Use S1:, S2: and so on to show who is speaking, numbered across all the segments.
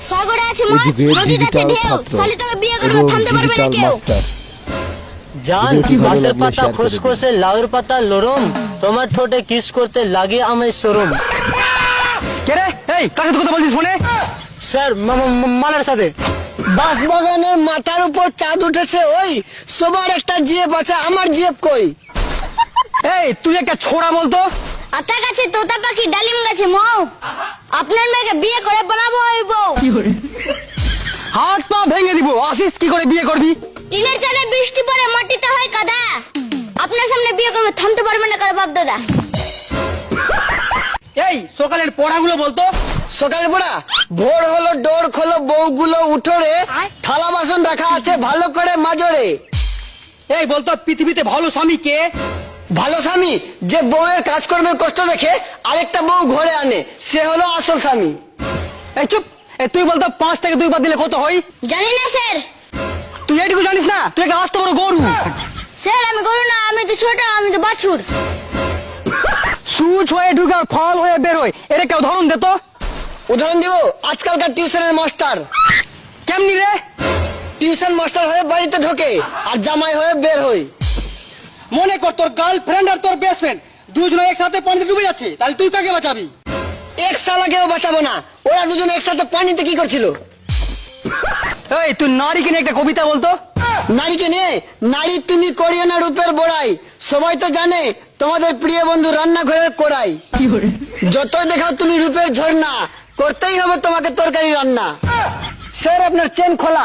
S1: সাগরে আছে মাছ, নদীতে আছে ঢেউ, শালি তোকে বিয়ে করবে থামতে পারবে না কেউ।
S2: জান গাছের পাতা খুসখুসে লাউর পাতা লরম, তোমার ঠোঁটে কিস করতে লাগে আমায় শরম।
S3: কে রে? এই কার সাথে কথা বলছিস ফোনে?
S2: স্যার মালার সাথে।
S4: বাঁশবাগানের মাথার উপর চাঁদ উঠেছে, ওই সবার একটা জিএফ আছে, আমার জিএফ কই?
S3: এই তুই একটা ছোড়া বলতো।
S1: আতা গাছে তোতা পাখি, ডালিম গাছে মৌ, আপনার মেয়েকে বিয়ে করে বানাবো ওই বউ।
S3: হাত পা ভেঙে দিব, আসিস কি করে বিয়ে করবি?
S1: টিনের চালে বৃষ্টি পড়ে মাটিতে হয় কাদা, আপনার সামনে বিয়ে করবে থামতে পারবে না কারো বাপ দাদা।
S3: এই সকালের পড়াগুলো বলতো।
S4: সকালে পড়া, ভোর হলো ডোর খোলো বউগুলো উঠোরে, থালা বাসন রাখা আছে ভালো করে মাজরে।
S3: এই বলতো পৃথিবীতে ভালো স্বামী কে?
S4: ভালো স্বামী যে বউয়ের কাজকর্মের কষ্ট দেখে আরেকটা বউ ঘরে আনে, সে হলো আসল স্বামী।
S3: এই চুপ। এই তুই বলতো 5 থেকে 2 বাদ দিলে কত হয়?
S1: জানি না স্যার।
S3: তুই এইটুকু জানিস না? তুই একটা আস্ত বড় গরু।
S1: স্যার আমি গরু না, আমি তো ছোট, আমি তো বাছুর।
S3: সুচ হয়ে ঢুকে আর ফল হয়ে বের হয়, এর একটা উদাহরণ দে তো।
S4: উদাহরণ দিব, আজকালকার টিউশনের মাস্টার।
S3: কেমনি রে?
S4: টিউশন মাস্টার হয়ে বাড়িতে ঢোকে আর জামাই হয়ে বের হয়।
S3: মনে কর তোর গার্লফ্রেন্ড আর তোর বেস্ট ফ্রেন্ড দুজনে একসাথে পানিতে ডুবে যাচ্ছে, তাহলে তুই কাকে বাঁচাবি?
S4: এক সালাকেও বাঁচাবো না, ওরা দুজন একসাথে পানিতে কি করছিল?
S3: এই তুই নারীকে নিয়ে একটা কবিতা বলতো।
S4: নারীকে নিয়ে, নারী তুমি করিও না রূপের বড়াই, সবাই তো জানে তোমাদের প্রিয় বন্ধু রান্নাঘরের কোড়াই। যতই দেখাও তুমি রূপের ঝর্ণা, করতেই হবে তোমাকে তরকারি রান্না। স্যার আপনার চেন খোলা।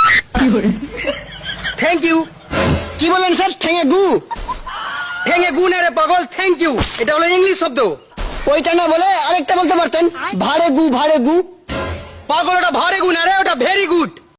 S3: Thank you.
S4: কি বলেন স্যার? ঠেঙে গু?
S3: ঠেঙে গু না রে পাগল, থ্যাংক ইউ এটা হলো ইংলিশ শব্দ।
S4: ওইটা না বলে আরেকটা বলতে পারতেন, ভাড়ে গু ভাড়ে গু।
S3: পাগল ওটা ভারে গু না রে, ওটা ভেরি